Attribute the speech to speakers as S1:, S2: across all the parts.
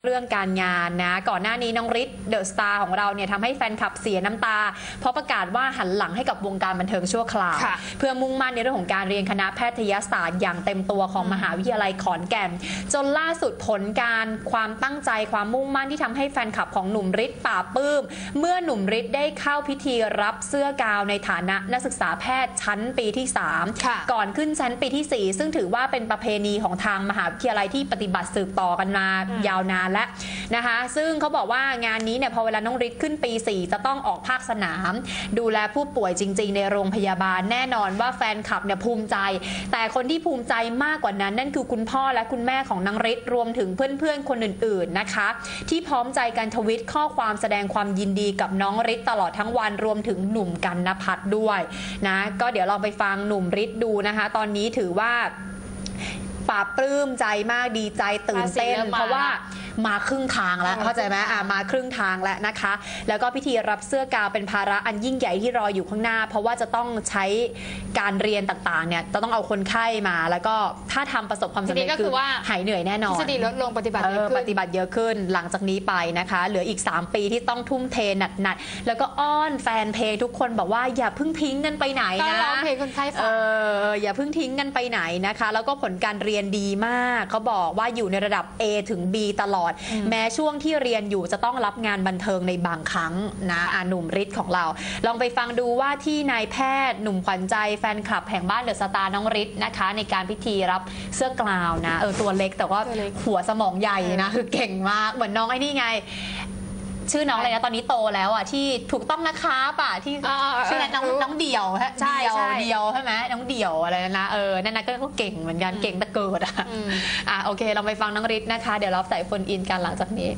S1: เรื่องการงานนะก่อนหน้านี้น้องฤทธิ์เดอะสตาร์ของเราเนี่ยทำให้แฟนคลับเสียน้ำตาเพราะประกาศว่าหันหลังให้กับวงการบันเทิงชั่วคราวเพื่อมุ่งมั่นในเรื่องของการเรียนคณะแพทยศาสตร์อย่างเต็มตัวของมหาวิทยาลัยขอนแก่นจนล่าสุดผลการความตั้งใจความมุ่งมั่นที่ทำให้แฟนคลับของหนุ่มฤทธิ์ปราบปลื้มเมื่อหนุ่มฤทธิ์ได้เข้าพิธีรับเสื้อกาวในฐานะนักศึกษาแพทย์ชั้นปีที่3ก่อนขึ้นชั้นปีที่4ซึ่งถือว่าเป็นประเพณีของทางมหาวิทยาลัยที่ปฏิบัติสืบต่อกันมายาวนานแล้วนะคะซึ่งเขาบอกว่างานนี้เนี่ยพอเวลาน้องฤทธิ์ขึ้นปี4จะต้องออกภาคสนามดูแลผู้ป่วยจริงๆในโรงพยาบาลแน่นอนว่าแฟนคลับเนี่ยภูมิใจแต่คนที่ภูมิใจมากกว่านั้นนั่นคือคุณพ่อและคุณแม่ของน้องฤทธิ์รวมถึงเพื่อนๆคนอื่นๆนะคะที่พร้อมใจกันทวิตข้อความแสดงความยินดีกับน้องฤทธิ์ตลอดทั้งวันรวมถึงหนุ่มกรรณพัฒน์ด้วยนะก็เดี๋ยวลองไปฟังหนุ่มฤทธิ์ดูนะคะตอนนี้ถือว่าปลาปลื้มใจมากดีใจตื่นเต้นเพราะว่ามาครึ่งทางแล้วเข้าใจไหมมาครึ่งทางแล้วนะคะแล้วก็พิธีรับเสื้อกาวเป็นภาระอันยิ่งใหญ่ที่รออยู่ข้างหน้าเพราะว่าจะต้องใช้การเรียนต่างๆเนี่ยจะต้องเอาคนไข้มาแล้วก็ถ้าทำประสบความสำเร็จคือหายเหนื่อยแน่นอน
S2: ทฤษฎีลดลงปฏิบัติเยอะ
S1: ขึ้นหลังจากนี้ไปนะคะเหลืออีก3ปีที่ต้องทุ่มเทหนักๆแล้วก็อ้อนแฟนเพลงทุกคนบอกว่าอย่าเพิ่งทิ้งกันไปไหนนะ
S2: ร้องเพลงคนไข้ฟัง
S1: อย่าเพิ่งทิ้งกันไปไหนนะคะแล้วก็ผลการเรียนดีมากเขาบอกว่าอยู่ในระดับ A ถึง B ตลอดแม้ช่วงที่เรียนอยู่จะต้องรับงานบันเทิงในบางครั้งนะหนุ่มฤทธิ์ของเราลองไปฟังดูว่าที่นายแพทย์หนุ่มขวัญใจแฟนคลับแห่งบ้านเดอะสตาร์น้องฤทธิ์นะคะในการพิธีรับเสื้อกลาวนะตัวเล็กแต่ว่าหัวสมองใหญ่นะคือเก่งมากเหมือนน้องไอ้นี่ไงชื่อน้องอะไรนะตอนนี้โตแล้วอ่ะที่ถูกต้องนะคะป่ะที่ชื่อน้องเดี่ยวฮะเดี่ยวใช่ไหมน้องเดี่ยวอะไรนะนั่นนะก็เก่งเหมือนกันเก่งแต่เกิดโอเคเราไปฟังน้องฤทธิ์นะคะเดี๋ยวเราใส่โฟนอินกันหลังจากนี้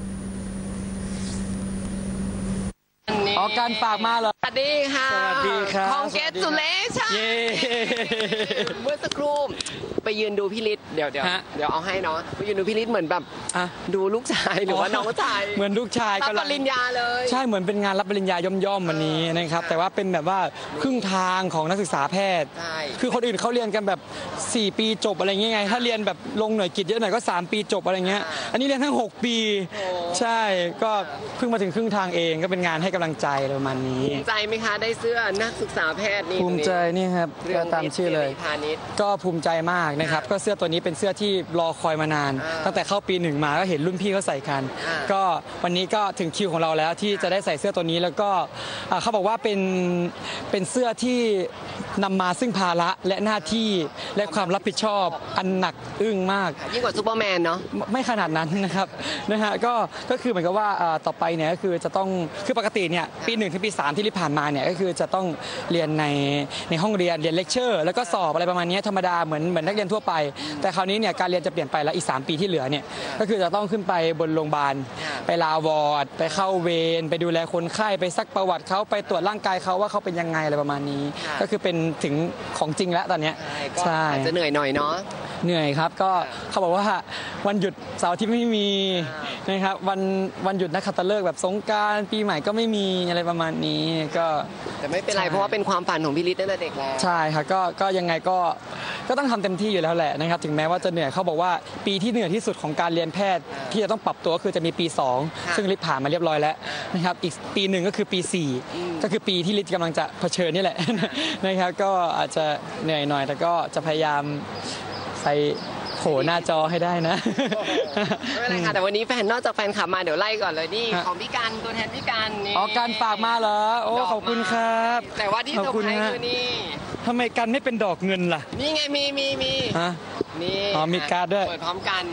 S3: การฝากมาเหรอ
S2: สวัสดีค่ะ
S3: สวัสดีครับ
S2: Congratulations เมื่อสักครู่ไปยืนดูพี่ฤทธิ์เดี๋ยวเอาให้เนาะไปยืนดูพี่ฤทธิ์เหมือนแบบดูลูกชายหรือว่าน้องชาย
S3: เหมือนลูกชาย
S2: รับปริญญาเลย
S3: ใช่เหมือนเป็นงานรับปริญญาย่อมๆวันนี้นะครับแต่ว่าเป็นแบบว่าครึ่งทางของนักศึกษาแพทย์คือคนอื่นเขาเรียนกันแบบ4 ปีจบอะไรเงี้ยไงถ้าเรียนแบบลงหน่วยกิจเยอะหน่อยก็3 ปีจบอะไรเงี้ยอันนี้เรียนทั้ง6 ปีใช่ก็เพิ่งมาถึงครึ่งทางเองก็เป็นงานให้กำลังใจประมาณนี้
S2: ภูมิใจไหมคะได้เสื้อนักศึกษาแพทย์นี่
S3: ภูมิใจนี่ครับก็ตามชื่อเลยก็ภูมิใจมากนะครับก็เสื้อตัวนี้เป็นเสื้อที่รอคอยมานานตั้งแต่เข้าปี1มาก็เห็นรุ่นพี่เขาใส่กันก็วันนี้ก็ถึงคิวของเราแล้วที่จะได้ใส่เสื้อตัวนี้แล้วก็เขาบอกว่าเป็นเสื้อที่นำมาซึ่งภาระและหน้าที่และความรับผิดชอบอันหนักอึ้งมาก
S2: ยิ่งกว่าซูเปอร์แมนเนาะ
S3: ไม่ขนาดนั้นนะครับก็คือเหมือนกับว่าต่อไปเนี่ยก็คือจะต้องคือปกติเนี่ยปี1ถึงปี3ที่ผ่านมาเนี่ยก็คือจะต้องเรียนในห้องเรียนเลคเชอร์แล้วก็สอบอะไรประมาณนี้ธรรมดาเหมือนนักเรียนทั่วไปแต่คราวนี้เนี่ยการเรียนจะเปลี่ยนไปแล้วอีก3 ปีที่เหลือเนี่ยก็คือจะต้องขึ้นไปบนโรงพยาบาลไปลาวอร์ดไปเข้าเวรไปดูแลคนไข้ไปซักประวัติเขาไปตรวจร่างกายเขาว่าเขาเป็นยังไงอะไรประมาณนี้ก็คือเป็นถึงของจริงแล้วตอนนี้
S2: ใช่อาจจะเหนื่อยหน่อยเนาะ
S3: เหนื่อยครับก็เขาบอกว่าวันหยุดเสาร์อาทิตย์ไม่มีนะครับวันหยุดนักขัตฤกษ์แบบสงกรานต์ปีใหม่ก็ไม่มีอะไรประมาณนี้ก็
S2: แต่ไม่เป็นไรเพราะว่าเป็นความฝันของพี่ฤทธิ์ตั้งแต่เด็กแล้ว
S3: ใช่ครับก็ยังไงก็ต้องทำเต็มที่อยู่แล้วแหละนะครับถึงแม้ว่าจะเหนื่อยเขาบอกว่าปีที่เหนื่อยที่สุดของการเรียนแพทย์ที่จะต้องปรับตัวคือจะมีปี2ซึ่งฤทธิ์ผ่านมาเรียบร้อยแล้วนะครับอีกปี1ก็คือปี4ก็คือปีที่ฤทธิ์กำลังจะเผชิญนี่แหละนะครับก็อาจจะเหนื่อยหน่อยแต่ก็จะพยายามไปโผล่หน้าจอให้ได้นะ
S2: ไม่เป็นไรค่ะแต่วันนี้นอกจากแฟนคลับมาเดี๋ยวไล่ก่อนเลยนี่ของพี่การตัวแทนพี่การนี่
S3: การฝากมาเหรอโอ้ขอบคุณครับ
S2: แต่ว่าที่เซอร์ไพรส์คือนี่
S3: ทำไมกันไม่เป็นดอกเงินล่ะ
S2: นี่ไงมีนี่
S3: มีการ์ดด้วย
S2: เปิดพร้อมกัน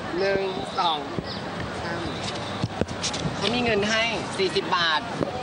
S2: 1 2 3เขามีเงินให้40 บาท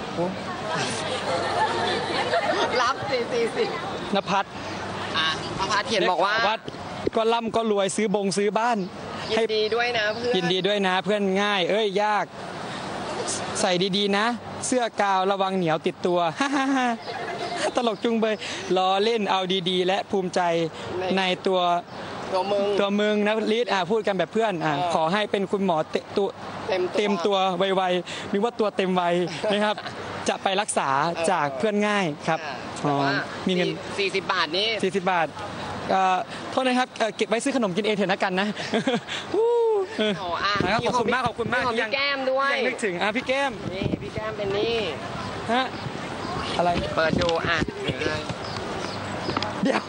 S2: รับ40
S3: นภัส
S2: นภัสเขียนบอกว่า
S3: ก็ร่ำก็รวยซื้อบ้าน
S2: ยินดีด้วยนะเพื่อน
S3: ยินดีด้วยนะเพื่อนง่ายยากใส่ดีๆนะเสื้อกาวระวังเหนียวติดตัวตลกจุงเบยล้อเล่นเอาดีๆและภูมิใจในตัวมึงนะลิศพูดกันแบบเพื่อนขอให้เป็นคุณหมอเต็มตัวไวๆหรือว่าตัวเต็มวัยนะครับจะไปรักษาจากเพื่อนง่ายครับ
S2: มีเงิน40 บาทนี่
S3: 40 บาทโทษนะครับเก็บไว้ซื้อขนมกินเองเถอะนะกันนะนะครับขอบคุณมากของ
S2: พี่แก้มด้วย
S3: ยังนึกถึงพี่แก้ม
S2: นี่พี่แก้มเป็นนี่
S3: ฮะอะไร
S2: เปิดดู
S3: เดี๋ยว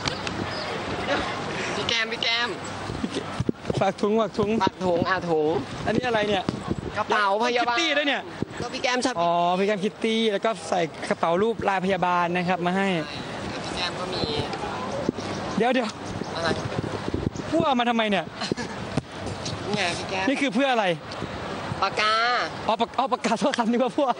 S2: พี่แก้ม
S3: ฝากถุง
S2: ถุง
S3: อันนี้อะไรเนี่ย
S2: กระเป๋าพยาบาล
S3: คิตตี้ด้วยเนี่ย
S2: ก็พี่แก้มชอบ
S3: พี่แก้มคิตตี้แล้วก็ใส่กระเป๋ารูปลายพยาบาลนะครับมาให้
S2: พี่แก้มก็มี
S3: เดี๋ยว
S2: อะไร
S3: พวกเอามาทำไมเนี่ย
S2: นี่ไงพี่แก้ม
S3: นี่คือเพื่ออะไร
S2: ปากกา
S3: ปากกาโทษคำนี้ว่าพวก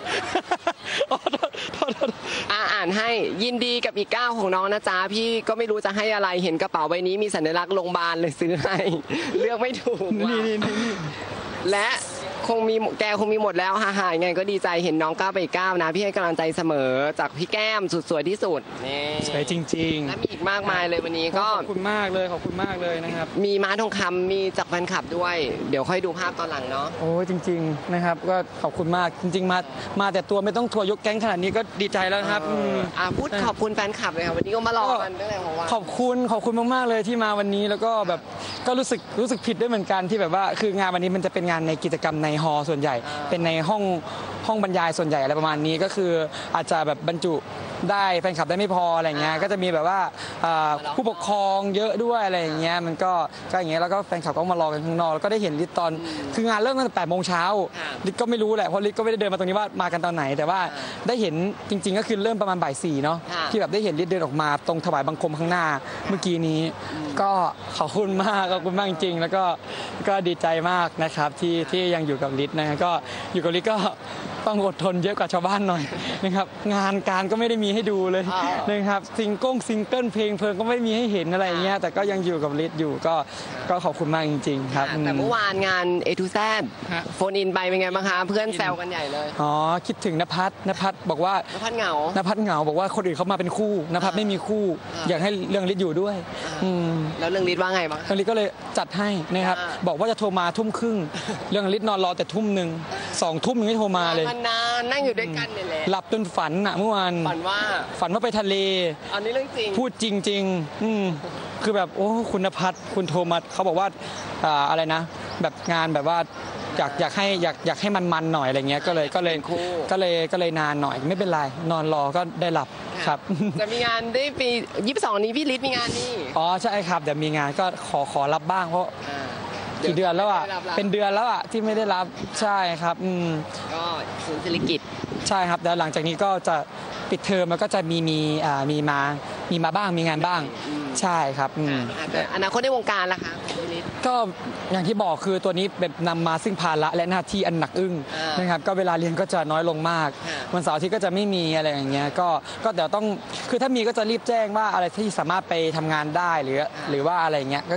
S2: อ่านให้ยินดีกับอีกก้าวของน้องนะจ๊ะพี่ก็ไม่รู้จะให้อะไรเห็นกระเป๋าใบนี้มีสัญลักษณ์โรงพยาบาลเลยซื้อให้เลือกไม่ถูก
S3: นี่
S2: และแกคงมีหมดแล้วฮ่าๆยังไงก็ดีใจเห็นน้องก้าวไปอีกก้าวนะพี่ให้กำลังใจเสมอจากพี่แก้มสุดสวยที่สุดนี่
S3: สวยจริงๆ
S2: และมีอีกมากมายเลยวันนี้ก็
S3: ขอบคุณมากเลยนะครับ
S2: มีม้าทองคำมีจากแฟนคลับด้วยเดี๋ยวค่อยดูภาพตอนหลังเนาะ
S3: โอ้จริงๆนะครับก็ขอบคุณมากจริงๆมาแต่ตัวไม่ต้องทัวร์ยกแก๊งขนาดนี้ก็ดีใจแล้วครับ
S2: พูดขอบคุณแฟนคลับเลยค่ะวันนี้ก็มารอกันตั้งแต่ของวัน
S3: ขอบคุณมากๆเลยที่มาวันนี้แล้วก็แบบก็รู้สึกผิดด้วยเหมือนกันที่แบบว่าคืองานวันนี้มันจะเป็นงานในกิจกรรมในฮอลล์ส่วนใหญ่เป็นในห้องบรรยายส่วนใหญ่อะไรประมาณนี้ก็คืออาจจะแบบบรรจุได้แฟนคลับได้ไม่พออะไรเงี้ยก็จะมีแบบว่าผู้ปกครองเยอะด้วยอะไรอย่างเงี้ยมันก็อย่างเงี้ยแล้วก็แฟนคลับก็มารอกันข้างนอกแล้วก็ได้เห็นลิศตอนคืองานเริ่มตั้งแต่8 โมงเช้าลิศก็ไม่รู้แหละเพราะลิศก็ไม่ได้เดินมาตรงนี้ว่ามากันตอนไหนแต่ว่าได้เห็นจริงๆก็คือเริ่มประมาณบ่าย 4เนาะที่แบบได้เห็นลิศเดินออกมาตรงถวายบังคมข้างหน้าเมื่อกี้นี้ก็ขอบคุณมากจริงๆแล้วก็ดีใจมากนะครับที่ยังอยู่กับลิศนะก็อยู่กับลิศก็ต้องอดทนเยอะกว่าชาวบ้านหน่อยนะครับงานการก็ไม่ได้มีให้ดูเลยนะครับซิงเกิลเพลงก็ไม่มีให้เห็นอะไรเงี้ยแต่ก็ยังอยู่กับลิศอยู่ก็ขอบคุณมากจริงๆครับ
S2: แต่เมื่อวานงาน A to Z โฟนอินไปเป็นไงบ้างคะเพื่อนแซวกันใหญ่เลย
S3: คิดถึงณภัทรบอกว่าน
S2: ภัทรเหงา
S3: บอกว่าคนอื่นเขามาเป็นคู่ณภัทรไม่มีคู่อยากให้เรื่องลิศอยู่ด้วย
S2: แล้วเรื่องลิศว่าไงบ้าง
S3: เรื่องลิศก็เลยจัดให้นะครับบอกว่าจะโทรมา 20:30เรื่องลิศนอนรอแต่ 1:00 2 ทุ่มยังไม่โทรมาเลย
S2: นานนั่งอยู่ด้วยกันเนี่ยแหละ
S3: หลับจนฝันเมื่อวาน
S2: ฝันว่า
S3: ไปทะเล
S2: อันนี้เรื่องจริง
S3: พูดจริงๆคือแบบโอ้คุณณภัทรคุณโทมัสเขาบอกว่าอะไรนะแบบงานแบบว่าอยากให้มันหน่อยอะไรเงี้ยก็เลยนานหน่อยไม่เป็นไรนอนรอก็ได้หลับครับ
S2: จะมีงานได้ปี22นี้พี่ฤทธิ์มีงานนี่
S3: ใช่ครับเดี๋ยวมีงานก็ขอรับบ้างเพราะกี่เดือนแล้วเป็นเดือนแล้วที่ไม่ได้รับใช่ครับ
S2: ก็ศูนย์เศรษฐกิจ
S3: ใช่ครับแล้วหลังจากนี้ก็จะปิดเทอมแล้วก็จะมีมาบ้างมีงานบ้างใช่ครับ
S2: อนาคตในวงการล่ะคะ
S3: ก็อย่างที่บอกคือตัวนี้แบบนำมาซึ่งภาระและหน้าที่อันหนักอึ้งนะครับก็เวลาเรียนก็จะน้อยลงมากวันเสาร์อาทิตย์ก็จะไม่มีอะไรอย่างเงี้ยก็เดี๋ยวต้องคือถ้ามีก็จะรีบแจ้งว่าอะไรที่สามารถไปทำงานได้หรือว่าอะไรเงี้ยก็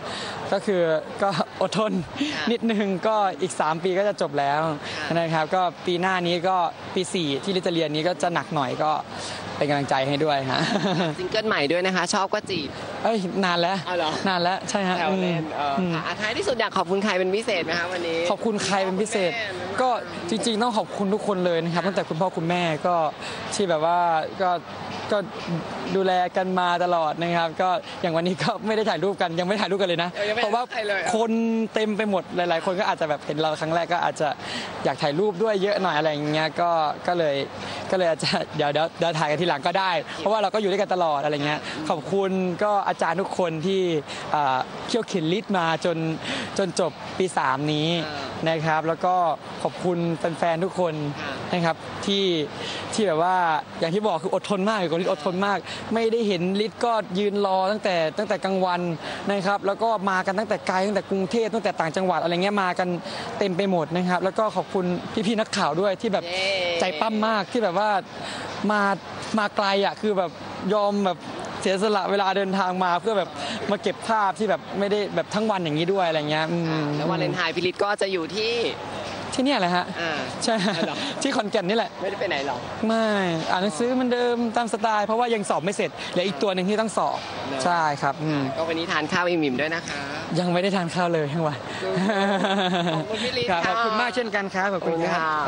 S3: อดทนนิดนึงก็อีก3 ปีก็จะจบแล้วนะครับก็ปีหน้านี้ก็ปี 4ที่ลิจะเรียนนี้ก็จะหนักหน่อยก็เป็นกำลังใจให้ด้วยฮะ
S2: ซิงเกิลใหม่ด้วยนะคะชอบก็จีบ
S3: นานแล้วใช่ฮะ
S2: ท้ายที่สุดอยากขอบคุณใครเป็นพิเศษไหมคะวันนี้
S3: ขอบคุณใครเป็นพิเศษก็จริงๆต้องขอบคุณทุกคนเลยนะครับตั้งแต่คุณพ่อคุณแม่ก็ที่แบบว่าก็ดูแลกันมาตลอดนะครับก็อย่างวันนี้ก็ไม่ได้ถ่ายรูปกันยังไม่ถ่ายรูปกันเลยนะเพราะว่าคนเต็มไปหมดหลายๆคนก็อาจจะแบบเห็นเราครั้งแรกก็อาจจะอยากถ่ายรูปด้วยเยอะหน่อยอะไรอย่างเงี้ยก็เลยอาจจะเดี๋ยวถ่ายกันทีหลังก็ได้เพราะว่าเราก็อยู่ด้วยกันตลอดอะไรเงี้ยขอบคุณก็อาจารย์ทุกคนที่เขี่ยวเข็นลิศมาจนจบปี 3นี้นะครับแล้วก็ขอบคุณแฟนๆทุกคนนะครับที่แบบว่าอย่างที่บอกคืออดทนมากกับลิศอดทนมากไม่ได้เห็นลิศก็ยืนรอตั้งแต่กลางวันนะครับแล้วก็มากันตั้งแต่ไกลตั้งแต่กรุงเทพตั้งแต่ต่างจังหวัดอะไรเงี้ยมากันเต็มไปหมดนะครับแล้วก็ขอบคุณพี่ๆนักข่าวด้วยที่แบบใจปั้มมากที่แบบว่ามาไกลคือแบบยอมแบบเสียสละเวลาเดินทางมาเพื่อแบบมาเก็บภาพที่แบบไม่ได้แบบทั้งวันอย่างนี้ด้วยอะไรเงี้ย
S2: แล้ววาเลนไทน์พี่ฤทธิ์ก็จะอยู่ที่
S3: นี่แหละฮะใช่ที่ขอนแก่นนี่แหละ
S2: ไม่ได้ไปไหนหรอ
S3: ไม่อ่านหนังสือเหมือนเดิมตามสไตล์เพราะว่ายังสอบไม่เสร็จเหลืออีกตัวหนึ่งที่ต้องสอบใช่ครับ
S2: ก็วันนี้ทานข้าวอิ่มๆด้วยนะคะ
S3: ยังไม่ได้ทานข้าวเลยทั้งวัน
S2: ขอบคุณพี่ฤทธิ์
S3: ขอบคุณมากเช่นกันครับขอบคุณครับ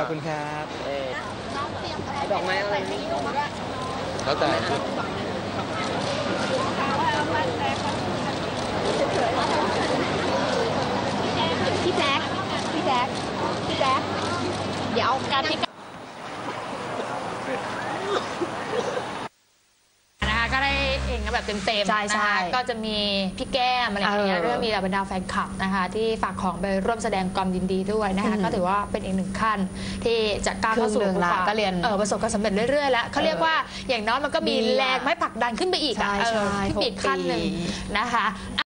S2: ดอกไม้อะไร
S3: แล้วแต่
S4: พี่แจ๊คเดี๋ยวเอาการที่ก็ได้เองแบบเต็มๆนะคะก็จะมีพี่แก้มอะไรอย่างเงี้ยเรื่องมีบรรดาแฟนคลับนะคะที่ฝากของไปร่วมแสดงความยินดีด้วยนะคะก็ถือว่าเป็นอีกหนึ่งขั้นที่จะก้าวเข้าสู่
S1: ก็เรียน
S4: ประสบความสำเร็จเรื่อยๆแล้วเขาเรียกว่าอย่างน้อยมันก็มีแรงไม่ผลักดันขึ้นไปอีกที่ปีกขั้นหนึ่งนะคะ